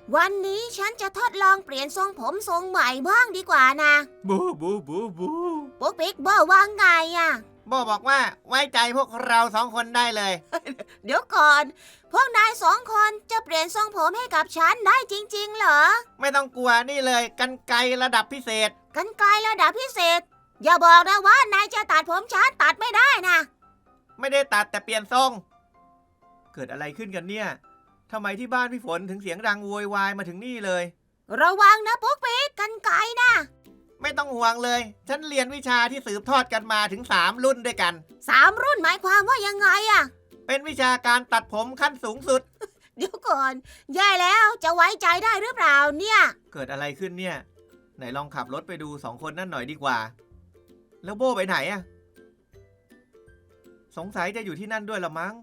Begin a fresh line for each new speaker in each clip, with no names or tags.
วันนี้ฉันจะทดลองเปลี่ยนทรงผมทรงใหม่บ้างดีกว่านะ
บูบูบูบู
ปุ๊กปิ๊กบอกว่าไงอ่ะ
โบบอกว่าไว้ใจพวกเรา2 คนได้เลย
เดี๋ยวก่อนพวกนาย2 คนจะเปลี่ยนทรงผมให้กับฉันได้จริงๆเหรอ
ไม่ต้องกลัวนี่เลยกรรไกรระดับพิเศษ
กรรไกรระดับพิเศษอย่าบอกนะว่านายจะตัดผมฉันตัดไม่ได้นะ
ไม่ได้ตัดแต่เปลี่ยนทรงเกิดอะไรขึ้นกันเนี่ยทำไมที่บ้านพี่ฝนถึงเสียงดังโวยวายมาถึงนี่เลย
ระวังนะปุ๊กปิ๊กกรรไกรนะ
ไม่ต้องห่วงเลยฉันเรียนวิชาที่สืบทอดกันมาถึง3 รุ่นด้วยกัน
3 รุ่นหมายความว่ายังไงอะ
เป็นวิชาการตัดผมขั้นสูงสุด
เดี๋ยวก่อนแย่แล้วจะไว้ใจได้หรือเปล่าเนี่ย
เกิดอะไรขึ้นเนี่ยไหนลองขับรถไปดู2 คนนั่นหน่อยดีกว่าแล้วโบ้ไปไหนอะสงสัยจะอยู่ที่นั่นด้วยละมั้ง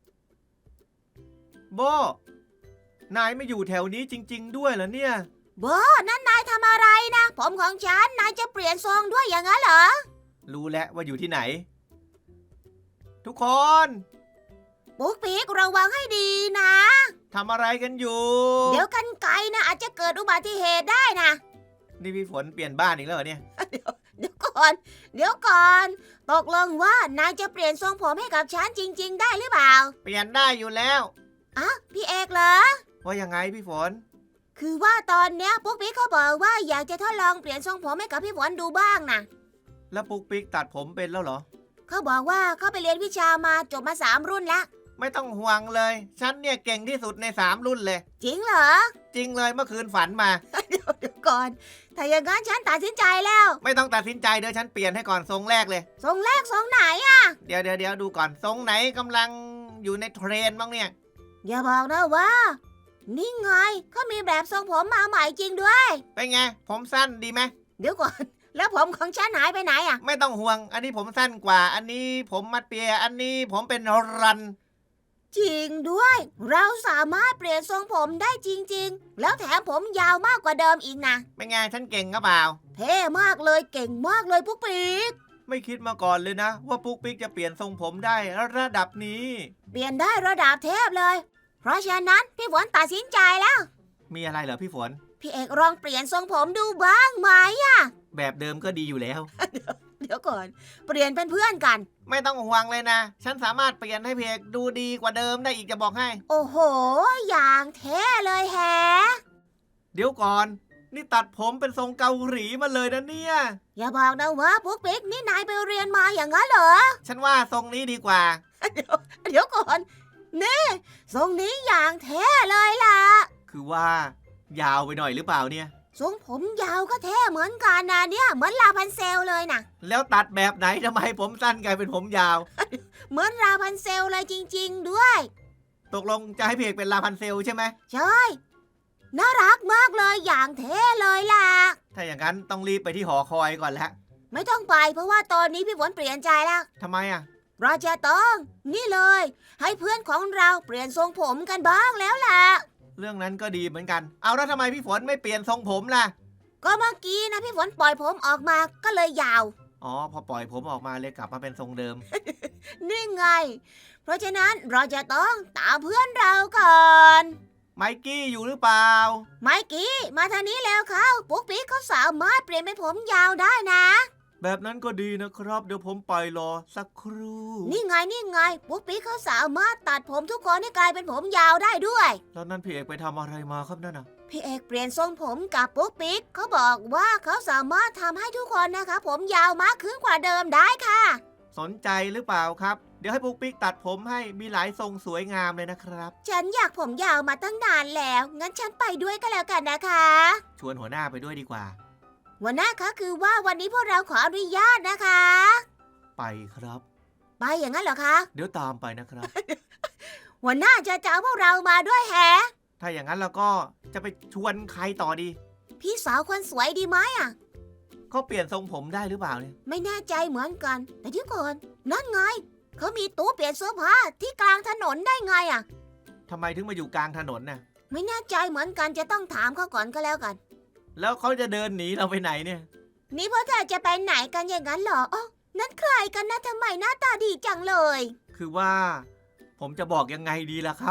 โบ้นายไม่อยู่แถวนี้จริงๆด้วยเหรอเนี่ย
โบนั่นนายทำอะไรนะผมของฉันนายจะเปลี่ยนทรงด้วยอย่างนั้นเหรอ
รู้แล้วว่าอยู่ที่ไหนทุกคน
ปุ๊กปิ๊กระวังให้ดีนะ
ทำอะไรกันอยู่
เดี๋ยวกรรไกรนะอาจจะเกิดอุบัติเหตุได้นะ
นี่พี่ฝนเปลี่ยนบ้านอีกแล้วเหรอเนี่ย
เดี๋ยวก่อนตกลงว่านายจะเปลี่ยนทรงผมให้กับฉันจริงๆได้หรือเปล่า
เปลี่ยนได้อยู่แล้ว
อ่ะพี่เอกเหรอ
ว่ายังไงพี่ฝน
คือว่าตอนเนี้ยปุ๊กปิ๊กเขาบอกว่าอยากจะทดลองเปลี่ยนทรงผมให้กับพี่ฝนดูบ้างนะ
แล้วปุ๊กปิ๊กตัดผมเป็นแล้วเหรอ
เขาบอกว่าเขาไปเรียนวิชามาจบมา3 รุ่นแล้ว
ไม่ต้องห่วงเลยฉันเนี่ยเก่งที่สุดใน3 รุ่นเลย
จริงเหรอ
จริงเลยเมื่อคืนฝันมา
เดี๋ยวก่อนถ้าอย่างนั้นฉันตัดสินใจแล้ว
ไม่ต้องตัดสินใจเดี๋ยวฉันเปลี่ยนให้ก่อนทรงแรกเลย
ทรงแรกทรงไหนอ่ะ
เดี๋ยวดูก่อนทรงไหนกำลังอยู่ในเทรนด์บ้างเนี่ย
อย่าบอกนะว่านี่ไงเขามีแบบทรงผมมาใหม่จริงด้วย
เป็นไงผมสั้นดีไหม
เดี๋ยวก่อนแล้วผมของฉันหายไปไหนอ่ะ
ไม่ต้องห่วงอันนี้ผมสั้นกว่าอันนี้ผมมัดเปียอันนี้ผมเป็นรัน
จริงด้วยเราสามารถเปลี่ยนทรงผมได้จริงๆแล้วแถมผมยาวมากกว่าเดิมอีกนะ
เป็นไงฉันเก่งหรือเปล่า
เท่มากเลยเก่งมากเลยปุ๊กปิ๊ก
ไม่คิดมาก่อนเลยนะว่าปุ๊กปิ๊กจะเปลี่ยนทรงผมได้ระดับนี้
เปลี่ยนได้ระดับเทพเลยเพราะฉะนั้นพี่ฝนตัดสินใจแล้ว
มีอะไรเหรอพี่ฝน
พี่เอกลองเปลี่ยนทรงผมดูบ้างไหมอะ
แบบเดิมก็ดีอยู่แล้ว
เดี๋ยวก่อนเปลี่ยนเป็นเพื่อนกัน
ไม่ต้องห่วงเลยนะฉันสามารถเปลี่ยนให้พี่เอกดูดีกว่าเดิมได้อีกจะบอกให้
โอ้โหอย่างเท่เลยแฮะ
เดี๋ยวก่อนนี่ตัดผมเป็นทรงเกาหลีมาเลยนะเนี่ย
อย่าบอกนะว่าปุ๊กปิ๊กนี่นายไปเรียนมาอย่างนั้นเหรอ
ฉันว่าทรงนี้ดีกว่า
เดี๋ยวก่อนนี่ทรงนี้อย่างเท่เลยล่ะ
คือว่ายาวไปหน่อยหรือเปล่าเนี่ย
ทรงผมยาวก็เท่เหมือนกันนะเนี่ยเหมือนลาพันเซลเลยนะ
แล้วตัดแบบไหนทำไมผมสั้นกลายเป็นผมยาว
เหมือนลาพันเซลเลยจริงๆด้วย
ตกลงจะให้พี่เอกเป็นลาพันเซลใช่ไหม
ใช่น่ารักมากเลยอย่างเท่เลยล่ะ
ถ้าอย่างนั้นต้องรีบไปที่หอคอยก่อนแล้ว
ไม่ต้องไปเพราะว่าตอนนี้พี่ฝนเปลี่ยนใจแล้ว
ทำไมอ่ะ
เราจะต้องนี่เลยให้เพื่อนของเราเปลี่ยนทรงผมกันบ้างแล้วล่ะ
เรื่องนั้นก็ดีเหมือนกันเอาแล้วทำไมพี่ฝนไม่เปลี่ยนทรงผมล่ะ
ก็เมื่อกี้นะพี่ฝนปล่อยผมออกมาก็เลยยาว
อ๋อพอปล่อยผมออกมาเลยกลับมาเป็นทรงเดิม
นี่ไงเพราะฉะนั้นเราจะต้องตามเพื่อนเราก่อน
ไมกี้อยู่หรือเปล่า
ไมกี้มาทางนี้แล้วเขาปุ๊กปิ๊กเขาสามารถเปลี่ยนเป็นผมยาวได้นะ
แบบนั้นก็ดีนะครับเดี๋ยวผมไปรอสักครู่
นี่ไงปุ๊กปิ๊กเขาสามารถตัดผมทุกคนให้กลายเป็นผมยาวได้ด้วย
แล้วนั่นพี่เอกไปทำอะไรมาครับนั่นน่ะ
พี่เอกเปลี่ยนทรงผมกับปุ๊กปิ๊กเขาบอกว่าเขาสามารถทำให้ทุกคนนะคะผมยาวมากขึ้นกว่าเดิมได้ค่ะ
สนใจหรือเปล่าครับเดี๋ยวให้ปุ๊กปิ๊กตัดผมให้มีหลายทรงสวยงามเลยนะครับ
ฉันอยากผมยาวมาตั้งนานแล้วงั้นฉันไปด้วยก็แล้วกันนะคะ
ชวนหัวหน้าไปด้วยดีกว่า
หัวหน้าคะคือว่าวันนี้พวกเราขออนุญาตนะคะ
ไปครับ
ไปอย่างนั้นเหรอคะ
เดี๋ยวตามไปนะครับ
หัวหน้าจะเอาพวกเรามาด้วยแฮะ
ถ้าอย่างนั้นเราก็จะไปชวนใครต่อดี
พี่สาวคนสวยดีไหมอ่ะ
เขาเปลี่ยนทรงผมได้หรือเปล่าเนี่ย
ไม่แน่ใจเหมือนกันแต่เดี๋ยวก่อนนั่นไงเขามีตู้เปลี่ยนเสื้อผ้าที่กลางถนนได้ไงอ่ะ
ทำไมถึงมาอยู่กลางถนนน่ะ
ไม่แน่ใจเหมือนกันจะต้องถามเขาก่อนก็แล้วกัน
แล้วเขาจะเดินหนีเราไปไหนเนี่ย
นี่พวกเธอจะไปไหนกันอย่างนั้นเหรออ๋อนั่นใครกันนะทำไมหน้าตาดีจังเลย
คือว่าผมจะบอกยังไงดีล่ะครับ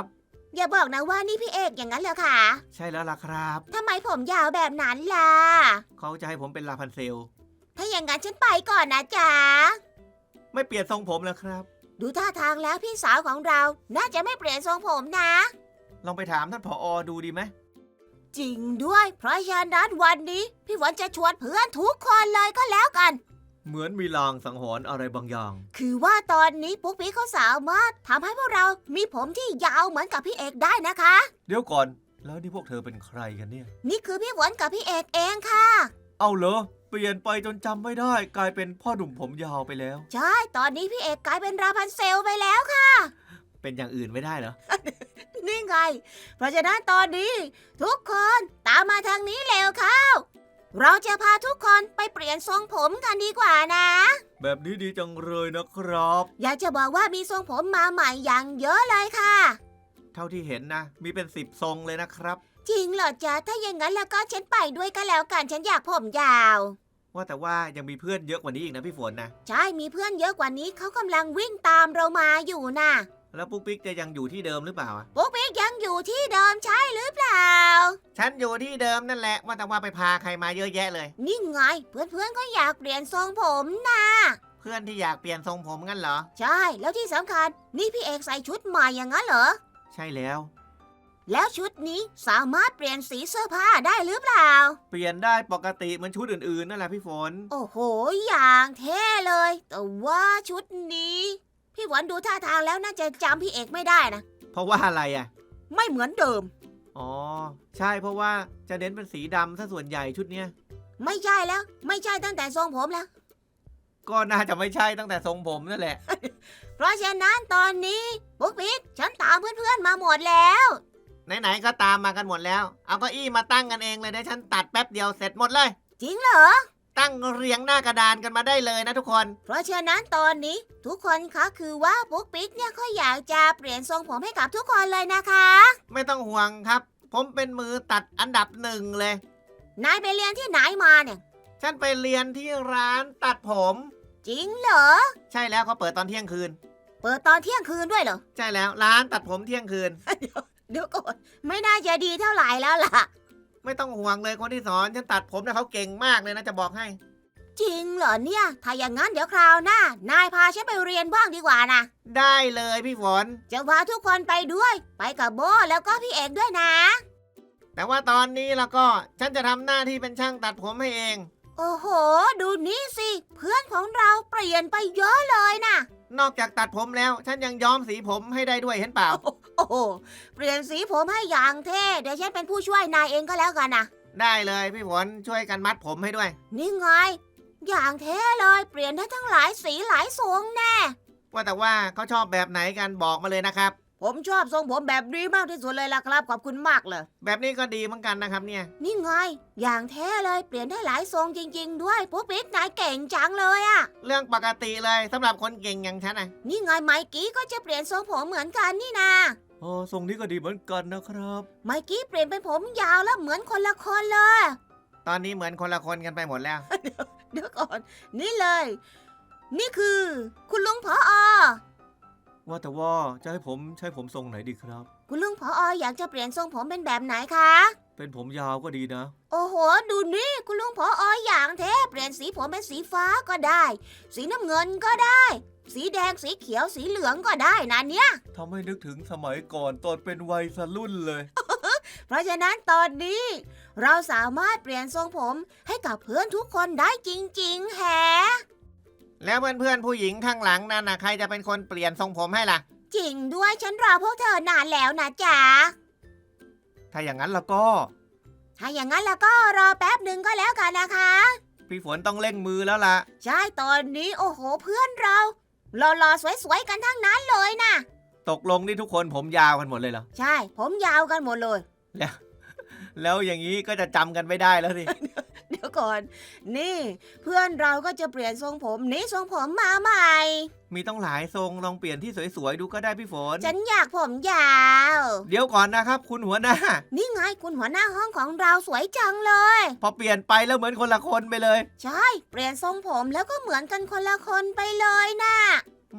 อย่าบอกนะว่านี่พี่เอกอย่างนั้นเหรอคะ
ใช่แล้วล่ะครับ
ทำไมผมยาวแบบนั้นล่ะ
เขาจะให้ผมเป็นลาพันเซล
ถ้าอย่างนั้นฉันไปก่อนนะจ๊ะ
ไม่เปลี่ยนทรงผมแล้วครับ
ดูท่าทางแล้วพี่สาวของเราน่าจะไม่เปลี่ยนทรงผมนะ
ลองไปถามท่านผอ.ดูดีไหม
จริงด้วย เพราะฉะนั้นวันนี้พี่ฝนจะชวนเพื่อนทุกคนเลยก็แล้วกัน
เหมือนมีลางสังหรณ์อะไรบางอย่าง
คือว่าตอนนี้ปุ๊กปิ๊กเขาสามารถทำให้พวกเรามีผมที่ยาวเหมือนกับพี่เอกได้นะคะ
เดี๋ยวก่อน แล้วนี่พวกเธอเป็นใครกันเนี่ย
นี่คือพี่ฝนกับพี่เอกเองค่ะ
เอาเหรอ เปลี่ยนไปจนจำไม่ได้ กลายเป็นพ่อหนุ่มผมยาวไปแล้ว
ใช่ ตอนนี้พี่เอกกลายเป็นราพันเซลไปแล้วค่ะ
เป็นอย่างอื่นไม่ได้เหรอ
นี่ไง เพราะฉะนั้นตอนนี้ทุกคนตามมาทางนี้เร็วเข้า เราจะพาทุกคนไปเปลี่ยนทรงผมกันดีกว่านะ
แบบนี้ดีจังเลยนะครับ
อยากจะบอกว่ามีทรงผมมาใหม่อย่างเยอะเลยค่ะ
เท่าที่เห็นนะ มีเป็น10 ทรงเลยนะครับ
จริงเหรอจ๊ะ ถ้าอย่างนั้นแล้วก็ฉันไปด้วยก็แล้วกัน ฉันอยากผมยาว
ว่าแต่ว่ายังมีเพื่อนเยอะกว่านี้อีกนะพี่ฝนนะ
ใช่ มีเพื่อนเยอะกว่านี้เขากำลังวิ่งตามเรามาอยู่น่ะ
แล้วปุ๊กปิ๊กจะยังอยู่ที่เดิมหรือเปล่าอะ
ปุ๊กปิ๊กยังอยู่ที่เดิมใช่หรือเปล่า
ฉันอยู่ที่เดิมนั่นแหละ ว่าแต่ว่าไปพาใครมาเยอะแยะเลย
นี่ไง เพื่อนๆก็อยากเปลี่ยนทรงผมนะ
เพื่อนที่อยากเปลี่ยนทรงผมงั้นเหรอ
ใช่ แล้วที่สำคัญนี่พี่เอกใส่ชุดใหม่อย่างนั้นเหรอ
ใช่แล้ว
แล้วชุดนี้สามารถเปลี่ยนสีเสื้อผ้าได้หรือเปล่า
เปลี่ยนได้ปกติเหมือนชุดอื่นๆนั่นแหละพี่ฝน
โอ้โห อย่างเท่เลย แต่ว่าชุดนี้ พี่หวันดูท่าทางแล้วน่าจะจำพี่เอกไม่ได้นะ
เพราะว่าอะไรอ่ะ
ไม่เหมือนเดิม
อ๋อ ใช่เพราะว่าจะเน้นเป็นสีดำซะส่วนใหญ่ชุดเนี้ย
ไม่ใช่แล้ว ไม่ใช่ตั้งแต่ทรงผมแล้ว
ก็น่าจะไม่ใช่ตั้งแต่ทรงผมนั่นแหละ
เพราะฉะนั้นตอนนี้ปุ๊กปิ๊กฉันตามเพื่อนๆมาหมดแล้ว
ไหนๆก็ตามมากันหมดแล้ว เอาเก้าอี้มาตั้งกันเองเลยเดี๋ยวฉันตัดแป๊บเดียวเสร็จหมดเลย
จริงเหรอ
ตั้งเรียงหน้ากระดานกันมาได้เลยนะทุกคน
เพราะฉะนั้นตอนนี้ทุกคนคะคือว่าปุ๊กปิ๊กเนี่ยเขาอยากจะเปลี่ยนทรงผมให้กับทุกคนเลยนะคะ
ไม่ต้องห่วงครับ ผมเป็นมือตัดอันดับ1เลย
นายไปเรียนที่ไหนมาเนี่ย
ฉันไปเรียนที่ร้านตัดผม
จริงเหรอ
ใช่แล้วเขาเปิดตอนเที่ยงคืน
เปิดตอนเที่ยงคืนด้วยเหรอ
ใช่แล้วร้านตัดผมเที่ยงคืน
เดี๋ยวก่อนไม่น่าจะดีเท่าไหร่แล้วล่ะ
ไม่ต้องห่วงเลยคนที่สอนฉันตัดผมนะเขาเก่งมากเลยนะจะบอกให้
จริงเหรอเนี่ย ถ้าอย่างนั้นเดี๋ยวคราวหน้านายพาฉันไปเรียนบ้างดีกว่านะ
ได้เลยพี่ฝน
จะพาทุกคนไปด้วย ไปกับโบแล้วก็พี่เอกด้วยนะ
แต่ว่าตอนนี้แล้วก็ฉันจะทำหน้าที่เป็นช่างตัดผมให้เอง
โอ้โห ดูนี่สิ เพื่อนของเราเปลี่ยนไปเยอะเลยนะ
นอกจากตัดผมแล้ว ฉันยังย้อมสีผมให้ได้ด้วยเห็นเปล่า
โอ้โห เปลี่ยนสีผมให้อย่างเท่ เดี๋ยวฉันเป็นผู้ช่วยนายเองก็แล้วกันนะ
ได้เลยพี่ฝนช่วยกันมัดผมให้ด้วย
นี่ไง อย่างเท่เลย เปลี่ยนได้ทั้งหลายสีหลายทรงแน่
ว่าแต่ว่าเขาชอบแบบไหนกันบอกมาเลยนะครับ
ผมชอบทรงผมแบบนี้มากที่สุดเลยล่ะครับ ขอบคุณมากเลย
แบบนี้ก็ดีเหมือนกันนะครับเนี่ย
นี่ไง อย่างเท่เลย เปลี่ยนได้หลายทรงจริงๆด้วยปุ๊กปิ๊กนายเก่งจังเลยอะ
เรื่องปกติเลยสำหรับคนเก่งอย่างฉันนะ
นี่ไงไมกี้ก็จะเปลี่ยนทรงผมเหมือนกันนี่นา
โอ้ทรงนี้ก็ดีเหมือนกันนะครับ
ไมกี้เปลี่ยนเป็นผมยาวแล้วเหมือนคนละคนเลย
ตอนนี้เหมือนคนละคนกันไปหมดแล้ว
เดี๋ยวก่อน นี่เลย นี่คือ คุณลุงผอ
ว่าแต่ว่าจะให้ผมใช้ผมทรงไหนดีครับ
คุณลุงผออยากจะเปลี่ยนทรงผมเป็นแบบไหนคะ
เป็นผมยาวก็ดีนะ
โอ้โห ดูนี่ คุณลุงผออย่างเท่เปลี่ยนสีผมเป็นสีฟ้าก็ได้ สีน้ำเงินก็ได้ สีแดงสีเขียวสีเหลืองก็ได้นะเนี่ย
ทำให้นึกถึงสมัยก่อนตอนเป็นวัยรุ่นเลย
เพราะฉะนั้นตอนนี้ เราสามารถเปลี่ยนทรงผมให้กับเพื่อนทุกคนได้จริงๆแฮะ
แล้วเพื่อนๆผู้หญิงข้างหลังนั่นนะใครจะเป็นคนเปลี่ยนทรงผมให้ล่ะ
จริงด้วยฉันรอพวกเธอนานแล้วนะจ๊ะ
ถ้าอย่างนั้นแล้วก็
ถ้าอย่างนั้นแล้วก็รอแป๊บหนึ่งก็แล้วกันนะคะ
พี่ฝนต้องเร่งมือแล้วล่ะ
ใช่ตอนนี้โอ้โหเพื่อนเราหล่อๆสวยๆกันทั้งนั้นเลยนะ
ตกลงนี่ทุกคนผมยาวกันหมดเลยเหรอ
ใช่ผมยาวกันหมดเลย
แล้วอย่างนี้ก็จะจำกันไม่ได้แล้วสิ
เดี๋ยวก่อน นี่ เพื่อนเราก็จะเปลี่ยนทรงผมนี่ทรงผมมาใหม่
มีต้องหลายทรงลองเปลี่ยนที่สวยๆดูก็ได้พี่ฝน
ฉันอยากผมยาว
เดี๋ยวก่อนนะครับ คุณหัวหน้า
นี่ไงคุณหัวหน้าห้องของเราสวยจังเลย
พอเปลี่ยนไปแล้วเหมือนคนละคนไปเลย
ใช่ เปลี่ยนทรงผมแล้วก็เหมือนกันคนละคนไปเลยนะ
อืม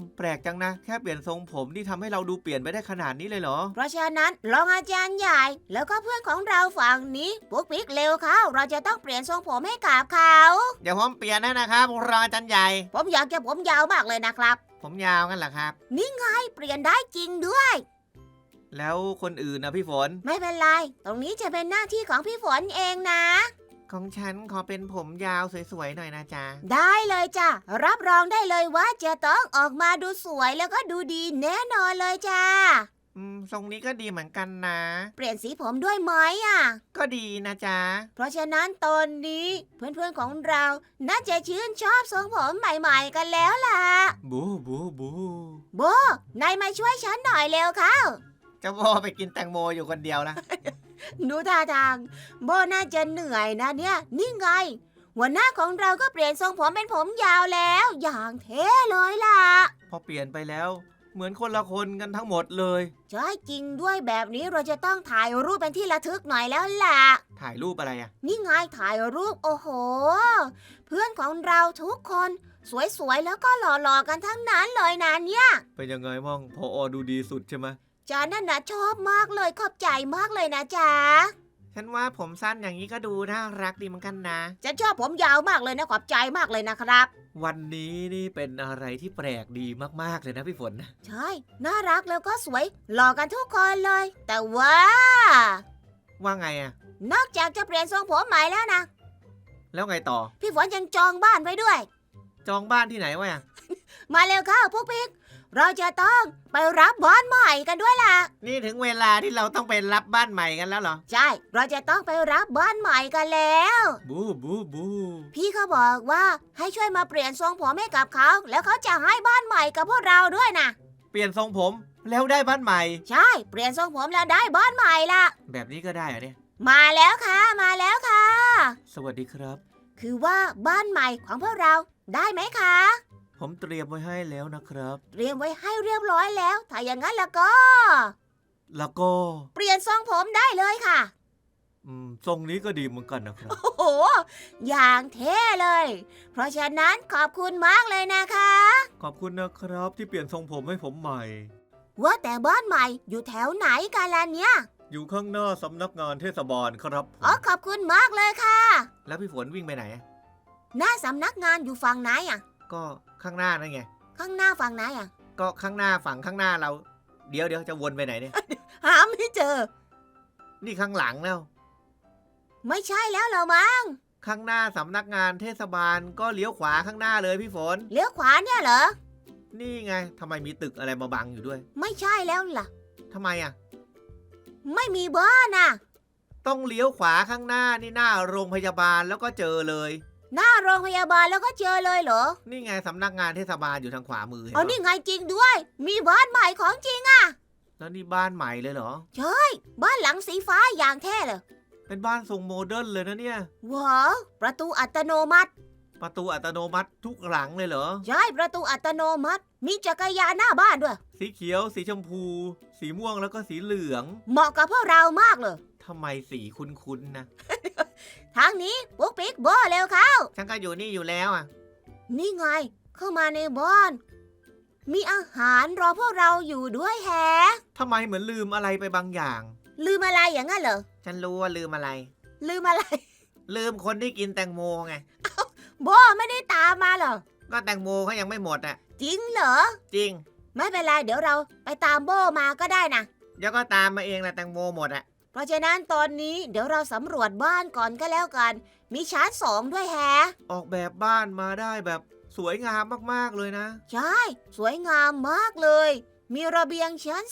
แปลกจังนะแค่เปลี่ยนทรงผมนี่ทำให้เราดูเปลี่ยนไปได้ขนาดนี้เลยเหรอ
เพราะฉะนั้นรองอาจารย์ใหญ่แล้วก็เพื่อนของเราฝั่งนี้ปุ๊กปิ๊กเร็วเข้าเราจะต้องเปลี่ยนทรงผมให้กับเขา
เดี๋ยวผมเปลี่ยนให้นะครับรองอาจารย์ใหญ่
ผมอยากจะผมยาวมากเลยนะครับ
ผมยาวกันเหรอครับ
นี่ไงเปลี่ยนได้จริงด้วย
แล้วคนอื่นนะพี่ฝน
ไม่เป็นไรตรงนี้จะเป็นหน้าที่ของพี่ฝนเองนะ
ของฉันขอเป็นผมยาวสวยๆหน่อยนะจ๊ะ
ได้เลยจ้ะรับรองได้เลยว่าจะต้องออกมาดูสวยแล้วก็ดูดีแน่นอนเลยจ้า
ทรงนี้ก็ดีเหมือนกันนะ
เปลี่ยนสีผมด้วยไหมอ่ะ
ก็ดีนะจ๊ะ
เพราะฉะนั้นตอนนี้เพื่อนๆของเราน่าจะชื่นชอบทรงผมใหม่ๆกันแล้วล่ะ
บูบูบู
โบนายมาช่วยฉันหน่อยเร็วเข้า
เจ้าโบไปกินแตงโมอยู่คนเดียวนะ
ดูท่าทางโบน่าจะเหนื่อยนะเนี่ยนี่ไงหัวหน้าของเราก็เปลี่ยนทรงผมเป็นผมยาวแล้วอย่างเท่เลยล่ะ
พอเปลี่ยนไปแล้ว เหมือนคนละคนกันทั้งหมดเลย
ใช่จริงด้วยแบบนี้เราจะต้องถ่ายรูปเป็นที่ระทึกหน่อยแล้วล่ะ
ถ่ายรูปอะไรอะ
นี่ไงถ่ายรูปโอ้โห เพื่อนของเราทุกคนสวยๆแล้วก็หล่อๆกันทั้งนั้นเลยนะเนี่ย
เป็นยังไงมั่งพอดูดีสุดใช่ไหม
จานั่นนะชอบมากเลยขอบใจมากเลยนะจ๊ะ
ฉันว่าผมสั้นอย่างนี้ก็ดูน่ารักดีเหมือนกันนะ
ฉันชอบผมยาวมากเลยนะขอบใจมากเลยนะครับ
วันนี้นี่เป็นอะไรที่แปลกดีมากๆเลยนะพี่ฝน
ใช่น่ารักแล้วก็สวยหล่อกันทุกคนเลย แต่ว่า
ว่าไงอะ
นอกจากจะเปลี่ยนทรงผมใหม่แล้วนะ
แล้วไงต่อ
พี่ฝนยังจองบ้านไว้ด้วย
จองบ้านที่ไหนวะ
มาเร็วเข้าพวกพี่เราจะต้องไปรับบ้านใหม่กันด้วยล่ะ
นี่ถึงเวลาที่เราต้องไปรับบ้านใหม่กันแล้วเหรอ
ใช่ เราจะต้องไปรับบ้านใหม่กันแล้ว
บูบูบู
พี่เขาบอกว่าให้ช่วยมาเปลี่ยนทรงผมให้กับเขา แล้วเขาจะให้บ้านใหม่กับพวกเราด้วยนะ
เปลี่ยนทรงผมแล้วได้บ้านใหม่
ใช่ เปลี่ยนทรงผมแล้วได้บ้านใหม่ละ
แบบนี้ก็ได้เหรอเนี่ย
มาแล้วค่ะ มาแล้วค่ะ
สวัสดีครับ
คือว่าบ้านใหม่ของพวกเราได้ไหมคะ
ผมเตรียมไว้ให้แล้วนะครับ
เตรียมไว้ให้เรียบร้อยแล้ว ถ้าอย่างนั้นแล้วก็
แล้วก็
เปลี่ยนทรงผมได้เลยค่ะ
ทรงนี้ก็ดีเหมือนกันนะครับ
โอ้โห อย่างเท่เลย เพราะฉะนั้นขอบคุณมากเลยนะคะ
ขอบคุณนะครับที่เปลี่ยนทรงผมให้ผมใหม่
ว่าแต่บ้านใหม่อยู่แถวไหนกันล่ะเนี่ย
อยู่ข้างหน้าสำนักงานเทศบาลครับผม
อ๋อขอบคุณมากเลยค่ะ
แล้วพี่ฝนวิ่งไปไหน
หน้าสำนักงานอยู่ฝั่งไหนอ่ะ
ก็ข้างหน้านั่นไง
ข้างหน้าฝั่งไหนอ่ะ
ก็ข้างหน้าฝั่งข้างหน้าเรา เดี๋ยวจะวนไปไหนเนี่ย
หาไม่เจอ
นี่ข้างหลังแล้ว
ไม่ใช่แล้วเหรอมั้ง
ข้างหน้าสำนักงานเทศบาลก็เลี้ยวขวาข้างหน้าเลยพี่ฝน
เลี้ยวขวาเนี่ยเหรอ
นี่ไงทำไมมีตึกอะไรมาบังอยู่ด้วย
ไม่ใช่แล้วล่ะ
ทำไมอ่ะ
ไม่มีบ้านน่ะ
ต้องเลี้ยวขวาข้างหน้านี่หน้าโรงพยาบาลแล้วก็เจอเลย
หน้าโรงพยาบาลแล้วก็เจอเลยเหรอ
นี่ไงสำนักงานเทศบาลอยู่ทางขวามือเห็น
อ๋อ
ปะ
นี่ไงจริงด้วย มีบ้านใหม่ของจริง
แล้วนี่บ้านใหม่เลยเหรอ
บ้านหลังสีฟ้าอย่างแท้เลย
เป็นบ้านทรงโมเดิร์นเลยนะเนี่ย
ว้าวประตูอัตโนมัติ
ประตูอัตโนมัติทุกหลังเลยเหรอ
ใช่ประตูอัตโนมัติ มีจักรยานหน้าบ้านด้วย
สีเขียวสีชมพู สีม่วงแล้วก็สีเหลือง
เหมาะกับพวกเรามากเลย
ทำไมสีคุ้นๆนะ
ทางนี้ปุ๊กปิ๊กโบเร็วเข้า
ฉันก็อยู่นี่อยู่แล้วอ่ะ
นี่ไง เข้ามาในบ้าน มีอาหารรอพวกเราอยู่ด้วยแฮะ
ทำไมเหมือนลืมอะไรไปบางอย่าง
ลืมอะไรอย่างนั้นเหรอ
ฉันรู้ว่าลืมอะไร
ลืมอะไร
ลืมคนที่กินแตงโมไง
โบไม่ได้ตามมาเหรอ
ก็แตงโมเขายังไม่หมดอ่ะ
จริงเหรอ
จริง
ไม่เป็นไรเดี๋ยวเราไปตามโบมาก็ได้นะ
เดี๋ยวก็ตามมาเองแหละแตงโมหมดอ่ะ
เพราะฉะนั้นตอนนี้เดี๋ยวเราสำรวจบ้านก่อนก็แล้วกัน มีชั้น2ด้วยแฮะ
ออกแบบบ้านมาได้แบบสวยงามมากๆเลยนะ
ใช่ สวยงามมากเลย มีระเบียงชั้น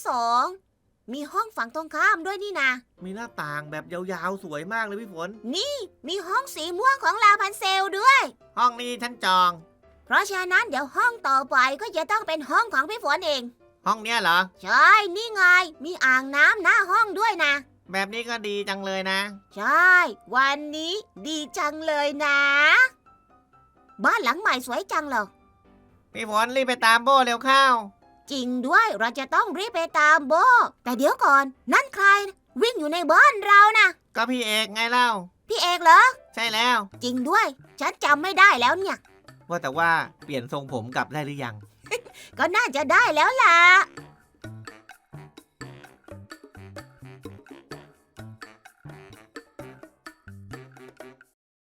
2 มีห้องฝั่งตรงข้ามด้วยนี่นะ
มีหน้าต่างแบบยาวๆสวยมากเลยพี่ฝน
มีห้องสีม่วงของลาพันเซลด้วย
ห้องนี้ฉันจอง
เพราะฉะนั้นเดี๋ยวห้องต่อไปก็จะต้องเป็นห้องของพี่ฝนเอง
ห้องเนี้ยเหรอ
ใช่ นี่ไง มีอ่างน้ำหน้าห้องด้วยนะ
แบบนี้ก็ดีจังเลยนะ
ใช่ วันนี้ดีจังเลยนะ บ้านหลังใหม่สวยจังเลย
พี่ฝนรีบไปตามโบเร็วเข้า
จริงด้วยเราจะต้องรีบไปตามโบ แต่เดี๋ยวก่อน นั่นใคร วิ่งอยู่ในบ้านเรานะ
ก็พี่เอกไงเล่า
พี่เอกเหรอ
ใช่แล้ว
จริงด้วย ฉันจำไม่ได้แล้วเนี่ย
ว่าแต่ว่าเปลี่ยนทรงผมกลับได้หรือยัง
ก็น่าจะได้แล้วล่ะ